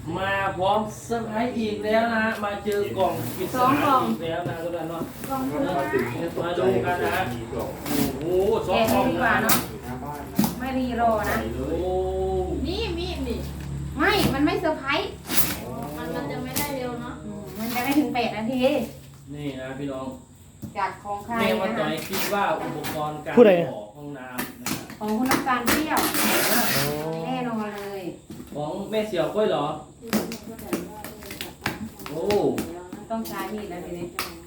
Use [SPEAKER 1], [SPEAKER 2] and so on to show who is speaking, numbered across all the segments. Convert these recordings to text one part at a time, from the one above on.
[SPEAKER 1] มาพร้อมเซอร์ไพรส์อีกแล้วนะฮะมาเจอกล่องปริศนาอีกแล้วนะทุกท่านเนาะ
[SPEAKER 2] กล่องเพื่อน
[SPEAKER 1] มาดูกันนะโอ้โหสอง
[SPEAKER 2] แกะ
[SPEAKER 1] กล่อง
[SPEAKER 2] ดีกว่าเนาะไม่รีรอนะ
[SPEAKER 1] โอ้
[SPEAKER 3] นี่มีดนี่
[SPEAKER 2] ไม่ มันไม่เซอร์ไพรส์
[SPEAKER 3] มันจะไม่ได้เร็วเนาะ
[SPEAKER 2] มันจะไม่ถึง8 นาที
[SPEAKER 1] นี่นะพี่น้อง
[SPEAKER 2] จากของใคร
[SPEAKER 1] แม่มา
[SPEAKER 2] นะ
[SPEAKER 1] ต่อ
[SPEAKER 2] คะ
[SPEAKER 1] ยคิดว่าอุปกรณ์การ
[SPEAKER 4] ผู้ใด
[SPEAKER 1] ขอห้องน้ำนะฮะ
[SPEAKER 2] ของคุณน้ำตาลเปรี้ยวแน่นอนเลย
[SPEAKER 1] ของแม่เสี่ยวก้อยเหรอโอ้
[SPEAKER 2] มันต้องใช้มีดแล้วทีนี้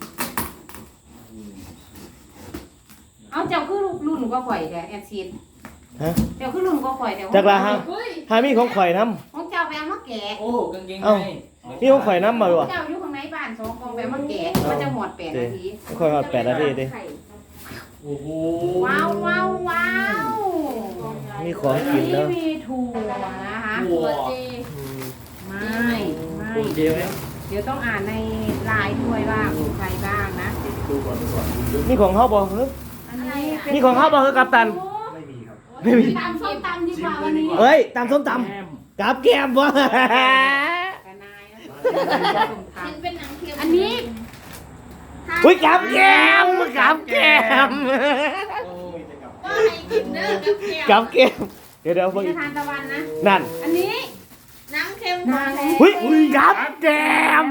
[SPEAKER 2] เอาเจ้าคือรุ่นก็ข่อยแต่แอนซีน
[SPEAKER 4] ฮะ
[SPEAKER 2] เจ้าคือรุ่นก็ข่อยแต่
[SPEAKER 4] จักรละฮะ
[SPEAKER 3] เฮ้ย
[SPEAKER 4] หามีของข่อยน้
[SPEAKER 2] ของเจ้าไปเอามาแกะ
[SPEAKER 1] โอ้กางเกง
[SPEAKER 4] เอ้า
[SPEAKER 1] ใน
[SPEAKER 4] ำนี่ของข่อยน้ำมาด้วย
[SPEAKER 2] เจ้าอยู่ข้างในบ้าน2 กล่องไปเอามาแกะมันจะหมด8 นาที
[SPEAKER 4] ข่อยหอด8 นาทีดิ
[SPEAKER 1] โอ้โห
[SPEAKER 2] ว้าวว้าวว้าว
[SPEAKER 4] มีของกิน
[SPEAKER 2] นี่
[SPEAKER 4] แล้ว
[SPEAKER 2] มีถั่วนะคะ
[SPEAKER 1] หัว
[SPEAKER 3] เจ
[SPEAKER 2] ไม่ไม่
[SPEAKER 1] คุณเดียวไหม
[SPEAKER 2] เดี๋ยวต้องอ่านในไลน์ด้วยว่าใครบ้างนะ
[SPEAKER 4] นี่ของเฮาบ่หรือ
[SPEAKER 2] อันนี้เป็น
[SPEAKER 4] นี่ของเฮาบ่คือกัปตัน
[SPEAKER 5] ไม่มีครับ
[SPEAKER 4] ไม่มี
[SPEAKER 2] ตำส้มตำดีกว่าวันนี้
[SPEAKER 4] เอ้ยตำส้มต
[SPEAKER 1] แอม
[SPEAKER 4] ำกับแก้มบ่
[SPEAKER 2] กระนายนะส้มต
[SPEAKER 3] มันเป็นหนังเค็ม
[SPEAKER 2] ำอันนี้
[SPEAKER 4] อุ้ยกับแก้มกับแก้ม
[SPEAKER 3] ก็ให้กินเด้อกับแก้ว
[SPEAKER 4] กับแก้มเดี๋ยว
[SPEAKER 2] นี่
[SPEAKER 4] เพิ่ง
[SPEAKER 2] จะทานตะวันนะ
[SPEAKER 4] นั่น
[SPEAKER 2] อันนี้
[SPEAKER 3] น้ำเค็ม
[SPEAKER 2] มาแล้ว
[SPEAKER 4] อุ้ยกับแก้ม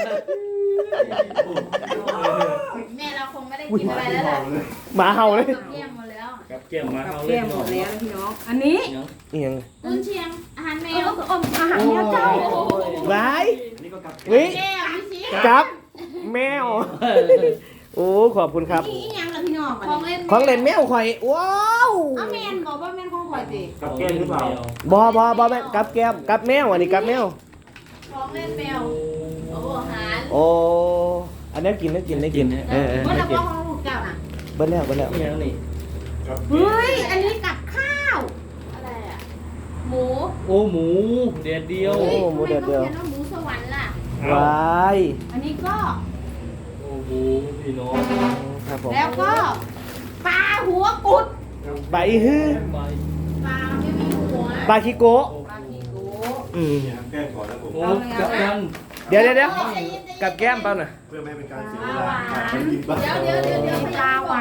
[SPEAKER 3] แม่เราคงไม่ได้กินอะไรแล้วแหละ
[SPEAKER 4] หมาเห่าเลย
[SPEAKER 3] กับแก้มหมดแล้ว
[SPEAKER 1] กับแก้มมา
[SPEAKER 2] กับ
[SPEAKER 1] เอา
[SPEAKER 2] แก้มหมดแล้วนะพี่น้อง อันนี้
[SPEAKER 1] ยัง
[SPEAKER 4] อีหยัง
[SPEAKER 3] กุนเชียงอาหารแม
[SPEAKER 2] เอ
[SPEAKER 3] ว
[SPEAKER 2] ออาหารแมวเจ้า
[SPEAKER 4] บาย
[SPEAKER 5] นี่ก็กับ
[SPEAKER 4] วิ
[SPEAKER 3] แก้วพี่ชี้
[SPEAKER 4] กับแมว โอ้ขอบคุณครับ
[SPEAKER 2] นี่อีหยังล่ะพี่น้อง
[SPEAKER 3] ของเล่น
[SPEAKER 4] ของเล่นแมวข่อยว้าว
[SPEAKER 2] เอาแมนบอกว่าแมนของข่อยสิ
[SPEAKER 5] กับแก้มหรือเปล่า
[SPEAKER 4] บอแม่กับแก้มกับแมวอันนี้กับแมว
[SPEAKER 3] ของเล่นแมวโอ้อาหาร
[SPEAKER 4] โอ้อันนี้กินได้กินเออ
[SPEAKER 2] ว่า
[SPEAKER 4] ได้
[SPEAKER 2] เรา
[SPEAKER 4] กิน
[SPEAKER 2] บอกของลูกเจ้าน่ะ
[SPEAKER 4] เบิ้ลแล้ว
[SPEAKER 1] นี่ยังนี่
[SPEAKER 2] เฮ้ย อันนี้กับข้าว
[SPEAKER 3] อะไรอ่ะหมู
[SPEAKER 1] โอ้หมูเด็ดเดียว
[SPEAKER 4] โอ้หมูเดือดเดียว
[SPEAKER 3] ทำไมต้องเขียนว่าหมูสวรรค์ล่ะ
[SPEAKER 4] วาย
[SPEAKER 2] อันนี้ก็
[SPEAKER 1] โอ้โหพี่น้อง
[SPEAKER 4] ครับผม
[SPEAKER 2] แล้วก็ปลาหัวกุด
[SPEAKER 4] ใบฮื้อ
[SPEAKER 1] ไป
[SPEAKER 3] ปลาไม่มีหัว
[SPEAKER 4] ปลาคิโกะ
[SPEAKER 2] ปลาขี้โก
[SPEAKER 4] อืม
[SPEAKER 5] แก้มก่อนแล้วผม
[SPEAKER 1] โอ้กับกัน
[SPEAKER 4] เดี๋ยวกับแก้มเปล่าน่ะ
[SPEAKER 5] เพื่อไม่ให้เป็นการเสียเวลาการกินบ้าง
[SPEAKER 3] เดี๋ยว
[SPEAKER 2] ปลาหวาน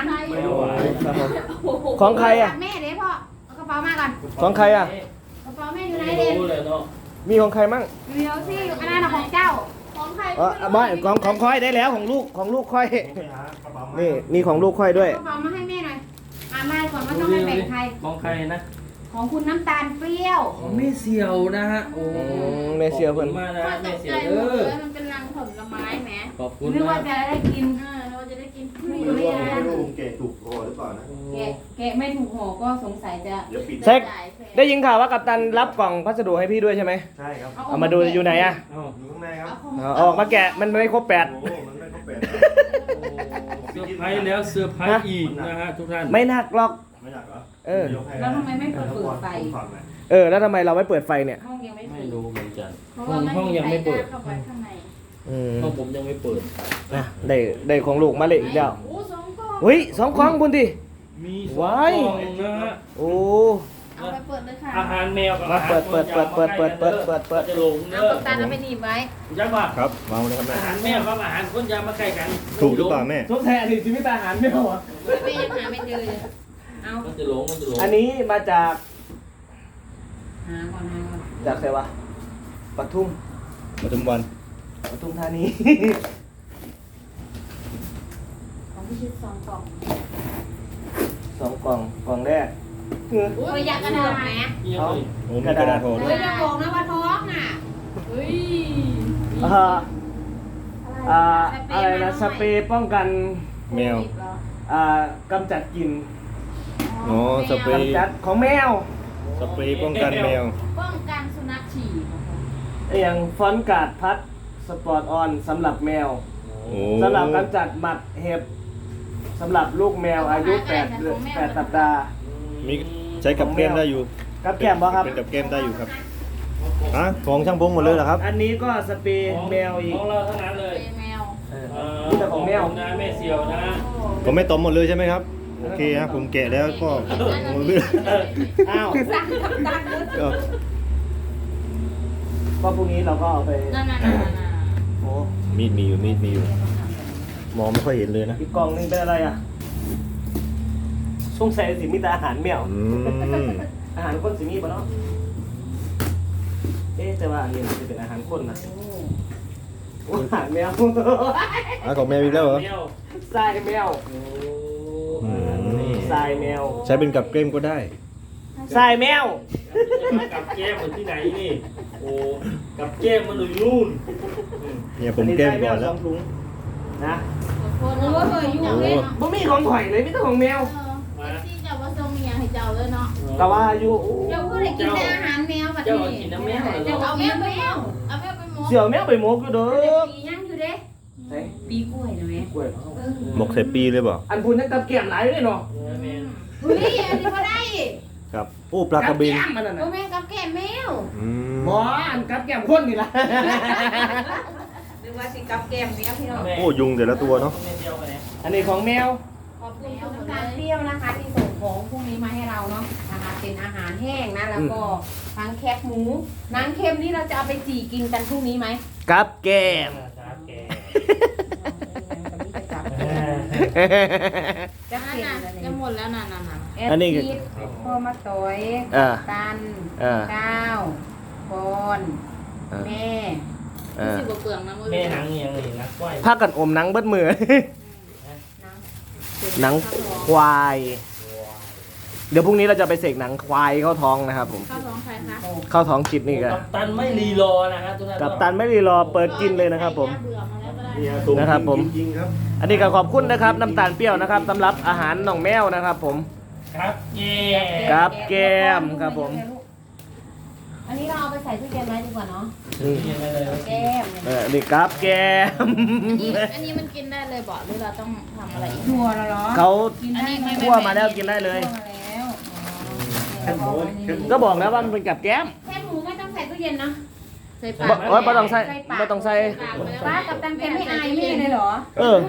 [SPEAKER 1] ไม่ไหว
[SPEAKER 4] ครับผมของใครอ่ะ
[SPEAKER 2] แม่เด้พ่อเอากระเป๋ามาก่อน
[SPEAKER 4] ของใครอ่ะ
[SPEAKER 2] กระเป๋าแม่อยู่ไหน
[SPEAKER 1] ไม่
[SPEAKER 2] เด็
[SPEAKER 1] รู้เลยเนาะ
[SPEAKER 4] มีของใครมั่ง
[SPEAKER 2] เดี๋ยวสิอันนั้นน่ะของเจ้า
[SPEAKER 3] ของใคร
[SPEAKER 4] อ๋อไม่ของค่อยได้แล้วของลูกค่อย
[SPEAKER 5] ไปหากระเป๋ามา
[SPEAKER 4] นี่มีของลูกค่อยด้วย
[SPEAKER 2] กระเป๋ามาให้แม่หน่อยมาก่อนว่าต้องให้แบ่งใคร
[SPEAKER 1] มองใครนะ
[SPEAKER 2] ของคุณน้ำตาลเปรี้ยว
[SPEAKER 1] ของแม่เสี่ยวนะฮะโอ้
[SPEAKER 4] แม่เสี่ยวเพิ่น
[SPEAKER 1] ขอบคุณมากนะ
[SPEAKER 3] ก็ต
[SPEAKER 1] แม่
[SPEAKER 3] ก
[SPEAKER 1] เสี่
[SPEAKER 3] ใจ
[SPEAKER 1] ยว
[SPEAKER 3] หม
[SPEAKER 1] เอ
[SPEAKER 3] ด
[SPEAKER 1] อ
[SPEAKER 3] เลยมันเป็นรังผลไม้แหม
[SPEAKER 1] ขอบคุณ
[SPEAKER 2] นึกว่า
[SPEAKER 1] นะ
[SPEAKER 2] จะได้กิน
[SPEAKER 3] เราจะได้กิน
[SPEAKER 5] ไม่รู้ว่าไม่รู้ผมแกะถูกคอหรือเปล่านะ
[SPEAKER 2] แกะไม่ถูกห่อก็สงสัยจะ
[SPEAKER 5] เดี๋ยวปิด
[SPEAKER 4] เซ็กได้ยินข่าวว่ากัปตันรับกล่องพัสดุให้พี่ด้วยใช่ไหม
[SPEAKER 5] ใช่ครับ
[SPEAKER 4] เอามาดูอยู่ไหนอ่ะ
[SPEAKER 1] เอ้า
[SPEAKER 5] อยู่ข้างในครับ
[SPEAKER 4] เอาออกมาแกะมันไม่ครบแปด
[SPEAKER 5] โอ้มันไม่ครบแปด
[SPEAKER 1] เซอร์ไพรส์แล้วเซอร์ไพรส์อีกนะฮะทุกท่าน
[SPEAKER 4] ไม่หนักหรอก
[SPEAKER 5] ไม่อยากเหรอ
[SPEAKER 2] แล้วทำไมไม่เปิดไฟ
[SPEAKER 4] แล้วทำไมเราไม่เปิดไฟเนี่ย
[SPEAKER 2] ห้องยังไม่
[SPEAKER 1] ไม่
[SPEAKER 2] เปิด
[SPEAKER 1] รู้เหมือนกัน
[SPEAKER 3] เพราะว่าไม่
[SPEAKER 1] ห้อง
[SPEAKER 3] มี
[SPEAKER 1] ยัง
[SPEAKER 3] ใคร
[SPEAKER 1] ไม่
[SPEAKER 3] ก
[SPEAKER 1] เปิด
[SPEAKER 3] ล้าเข้าไปข้างใน
[SPEAKER 4] อืม
[SPEAKER 1] ห้องผมยังไม่เปิด
[SPEAKER 4] นะได้ของลูกมาเลยอีกแล้ว
[SPEAKER 3] โอ้สองกล่อง
[SPEAKER 4] เฮ้ย2 กล่องคุณดิ
[SPEAKER 1] มีสอง
[SPEAKER 4] ว้าย
[SPEAKER 1] กล่องนะฮะ
[SPEAKER 4] โอ้
[SPEAKER 3] เอาไปเปิดเลยค่ะ
[SPEAKER 1] อาหารแมวกับ
[SPEAKER 4] มา
[SPEAKER 1] อาหาร
[SPEAKER 4] เปิด
[SPEAKER 1] คนจะอามาใกล้กัน
[SPEAKER 4] เปิด
[SPEAKER 1] จะหลงเด้
[SPEAKER 2] เอา
[SPEAKER 1] อ
[SPEAKER 2] กัปตันเอาไปหนีบไว้
[SPEAKER 1] ยักษ์ป่ะ
[SPEAKER 5] ครับวางเลยครับแม่
[SPEAKER 1] อาหารแมวกับอาหารคนจะมาใกล้กัน
[SPEAKER 5] ถูกหรือเปล่าแม่
[SPEAKER 4] สงสัยอดีตชีวิตอาหารไม่เอาอ่ะ
[SPEAKER 2] แม่ยังหาไม่เจอเลยเอา
[SPEAKER 1] มันจะหลงมันจะหลง
[SPEAKER 4] อันนี้มาจาก
[SPEAKER 2] หาก่อน
[SPEAKER 4] จากไหนวะปทุม
[SPEAKER 5] ปทุมวัน
[SPEAKER 4] ปทุมธานี
[SPEAKER 3] ของพี่ชิดสองกล่อง
[SPEAKER 4] 2 กล่องแรก
[SPEAKER 2] โอ้ยอยากกระดาษไหม
[SPEAKER 1] นี่ยังเลย
[SPEAKER 5] โอ้มีกระดาษโทร
[SPEAKER 2] เฮ้
[SPEAKER 5] ด้วย ย
[SPEAKER 2] จะบอกนะว่าท้องน่ะ
[SPEAKER 3] เฮ้ย
[SPEAKER 4] อะไรนะสเปรย์ป้องกัน
[SPEAKER 5] แมว
[SPEAKER 4] กำจัดกลิ่น
[SPEAKER 5] อ๋อสเปรย์
[SPEAKER 4] กำจัดของแมว
[SPEAKER 5] สเปรย์ป้องกันแมว
[SPEAKER 3] ป้องกันสุนัขฉี่
[SPEAKER 4] อย่างฟอนต์การ์ดพัดสปอร์ตออนสำหรับแมว
[SPEAKER 5] โอ้
[SPEAKER 4] สำหรับกำจัดหมัดเห็บสำหรับลูกแมวอายุ8สัปดาห์
[SPEAKER 5] มีใช้กับแก้มได้อยู่
[SPEAKER 4] กับแก้มบ่ครับ
[SPEAKER 5] เป็นกับแก้มได้อยู่ครับฮะของช่างพงหมดเลยเหรอครับ
[SPEAKER 4] อันนี้ก็สเปรย์แมวอีก
[SPEAKER 1] ของเราทั้งนั้นเลย
[SPEAKER 3] เป็นแมว
[SPEAKER 4] นี่แต่ของแมว
[SPEAKER 1] นะแม่เสี่ยวนะ
[SPEAKER 5] ก็ไม่ตอมหมดเลยใช่ไหมครับโอเคฮะผมแกะแล้วก็หมดเลย
[SPEAKER 4] อ้าว
[SPEAKER 2] สั่งกัปตันเลย
[SPEAKER 5] ก็
[SPEAKER 4] ก็พรุ่งนี้เราก็เอาไป
[SPEAKER 3] นั่น
[SPEAKER 4] โอ้
[SPEAKER 5] มีดมีอยู่มองไม่ค่อยเห็นเลยนะ
[SPEAKER 4] อีกกล่องนึงเป็นอะไรอ่ะสงสัยสิมีแต่อาหารแมว
[SPEAKER 5] อืม
[SPEAKER 4] อาหารคนสิมีปะเนาะแต่ว่าอันนี้มันจะเป็นอาหารคนนะอาหารแมว
[SPEAKER 5] ของแมวอีกแล้วเหรอ
[SPEAKER 1] แมว
[SPEAKER 4] ทรายแมว
[SPEAKER 1] โอ้
[SPEAKER 4] ทรายแมว
[SPEAKER 5] ใช้เป็นกับเกล้มก็ได้
[SPEAKER 4] ทรายแมว
[SPEAKER 1] กับแก้มมันที่ไหนนี่โอ้กับแก้มมันอยู่นู่น
[SPEAKER 5] เนี่ยผมแกล้มก่อนแล้ว
[SPEAKER 4] สองถุงนะ
[SPEAKER 3] โอ้ยอยู่เลย
[SPEAKER 4] บ่มีของข่อยเลยมีแต่ของแมว
[SPEAKER 3] ที่จะว่าทรงมีอย่างให้เจ้าเลยเนาะ
[SPEAKER 4] แต่ว่าอยู่
[SPEAKER 2] เจ้าก็เลยกินแต่อาหารแมวแบบ
[SPEAKER 1] เจ้า
[SPEAKER 2] นี้
[SPEAKER 1] กินน้ำแมวเหร
[SPEAKER 2] เจ้า
[SPEAKER 1] อ
[SPEAKER 2] เอาแมวไปแล้ว
[SPEAKER 3] เอาแม่ไปหมก
[SPEAKER 4] เสี่ยวแมวไปหมกอยู่เด้อ
[SPEAKER 2] ปีย่างอยู่เด้
[SPEAKER 4] เฮ้ย
[SPEAKER 2] ปีกล้วยนะแม่
[SPEAKER 4] กล้วย
[SPEAKER 5] หมกใส่ปีเลยเปล่า
[SPEAKER 4] อันพูนยังกับเกี่ยมหลายเลยเนาะ
[SPEAKER 2] เฮ้ยอันนี้ก็ได้
[SPEAKER 5] ครับโอ้ปลากระเบน
[SPEAKER 4] แก้มมันน่ะ
[SPEAKER 2] โอ้
[SPEAKER 4] นะ
[SPEAKER 2] แม่กับแก้มแมว
[SPEAKER 5] อืม
[SPEAKER 4] บ่อันกับแก้มคนนี่ล่ะ
[SPEAKER 2] หรือว่าสิกับแก้มแมวพี่น้อง
[SPEAKER 5] โอ้ยุงแต่ละตัวเนาะ
[SPEAKER 4] อันนี้ของแมว
[SPEAKER 2] ขอบคุณคุณน้ำตาลเปรี้ยวนะคะที่ส่งของพวกนี้มาให้เราเนาะนะคะเป็นอาหารแห้งนะแล้วก็ทั้งแคบหมูหนังเค็มนี่เราจะเอาไปจี่กินกันพรุ่งนี้ไหม
[SPEAKER 4] กับแก้ม
[SPEAKER 2] จะ
[SPEAKER 3] นั่น
[SPEAKER 2] เค็ม
[SPEAKER 3] น่ะ
[SPEAKER 2] อะไร
[SPEAKER 3] จะหมดแล้วน่ะ
[SPEAKER 4] อันนี้
[SPEAKER 2] แดพ่อมาต่อย ตัน ก้าวปอนแม่
[SPEAKER 3] สิบกว่าเปลืองนะมือ
[SPEAKER 1] แม่หนังยังนี่นักไหว
[SPEAKER 4] พากันอมหนังเบิดมือ หนังควาย เดี๋ยวพรุ่งนี้เราจะไปเสกหนังควายเข้าท้องนะครับผม
[SPEAKER 3] ข้าวท้องใครคะ
[SPEAKER 4] เข้าท้องจิตนี่กัน
[SPEAKER 1] กับตันไม่รีรอนะครับทุกท่าน
[SPEAKER 4] กับตันไม่รีรอเปิดกินเลยนะครับผม
[SPEAKER 3] เบื่อมาแล้วก็ได้
[SPEAKER 4] นะครับผม
[SPEAKER 5] จริงๆครับ
[SPEAKER 4] อันนี้ก็ขอบคุณนะครับน้ำตาลเปรี้ยวนะครับสำหรับอาหารน้องแมวนะครับผม
[SPEAKER 1] ครับเย่
[SPEAKER 4] กับแก้มครับผม
[SPEAKER 2] อันนี้เราเอาไปใส่ตู้เย็นไว้ดีกว่าเนาะ
[SPEAKER 4] นี่
[SPEAKER 1] เย่เลย
[SPEAKER 2] แก้ม
[SPEAKER 4] นี่กับแก้ม
[SPEAKER 3] อันนี้มันกินได้เลยบอกหรือเราต้องทำอะไรอีก
[SPEAKER 2] ถั่วแล้วเหรอ
[SPEAKER 4] เขา
[SPEAKER 2] กินได้ไหม
[SPEAKER 4] คั่วมาแล้วกินได้เลย
[SPEAKER 2] คั่วมาแล้ว
[SPEAKER 4] ก็บอกแล้วว่ามันเป็นกับแก้ม
[SPEAKER 2] แค่หมูไม่ต้องใส่ตู้เย็นนะ
[SPEAKER 3] ใส่
[SPEAKER 4] บ่
[SPEAKER 3] ปาก
[SPEAKER 4] โอ้ยบ่ต้องใส่บ่ต้องใส่
[SPEAKER 2] ป้ากับตังแกไม่อายนี่เลยเหรอ
[SPEAKER 4] เออ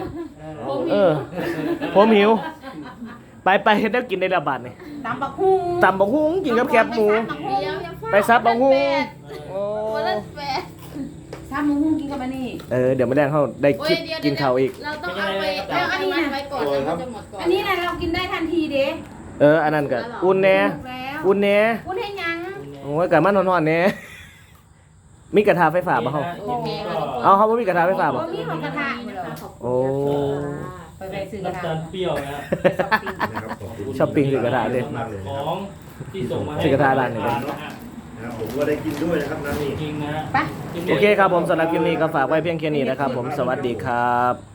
[SPEAKER 4] ผมหิว ไปเฮ็ดได้กินได้ละบาทนี่
[SPEAKER 2] ตำบักหุ่ง
[SPEAKER 4] ตำบักฮุ้งกินกับแคบหมู ไปซับบักฮุ้งโอ้
[SPEAKER 3] วันละแปด
[SPEAKER 2] ซับบักหุ่งกินกับอันนี้
[SPEAKER 4] เดี๋ยวมาแดงเขาได้คลิปกินข้าวอีก
[SPEAKER 3] เราต้องเอาไปเอาไว้ก่อนแล้วมันจะหมดก่อน
[SPEAKER 2] อันนี้นะเรากินได้ทันทีเด้
[SPEAKER 4] อันนั้นก็อุ่นแหน่
[SPEAKER 2] ถูกแล้ว
[SPEAKER 4] อุ่นแหน่
[SPEAKER 2] อุ่นให้ยัง
[SPEAKER 4] โอ้ยกะมันนอนๆแหน่มีกระทะไฟฟ้าบ่เฮาเอาเขาบ่มีกระทะไฟฟ้าบ่
[SPEAKER 2] มีของกระทะเหรอ
[SPEAKER 4] โอ้
[SPEAKER 2] ไปซื้อกระ
[SPEAKER 1] น้ำ
[SPEAKER 2] ทะ
[SPEAKER 1] ตาลเปรี้ยวนะ
[SPEAKER 4] ช้อปปิ้งซื้อกระทะเลย
[SPEAKER 1] ของที่ส่งมาให้
[SPEAKER 4] ซื้อกระทะร้านไหนเลย
[SPEAKER 5] นะครับผมก็ได้กินด้วยนะครับน้ำนี่
[SPEAKER 1] จริงนะ
[SPEAKER 2] ไป
[SPEAKER 4] โอเคครับผมสำหรับคลิปนี้ก็ฝากไว้เพียงแค่นี้นะครับผมสวัสดีครับ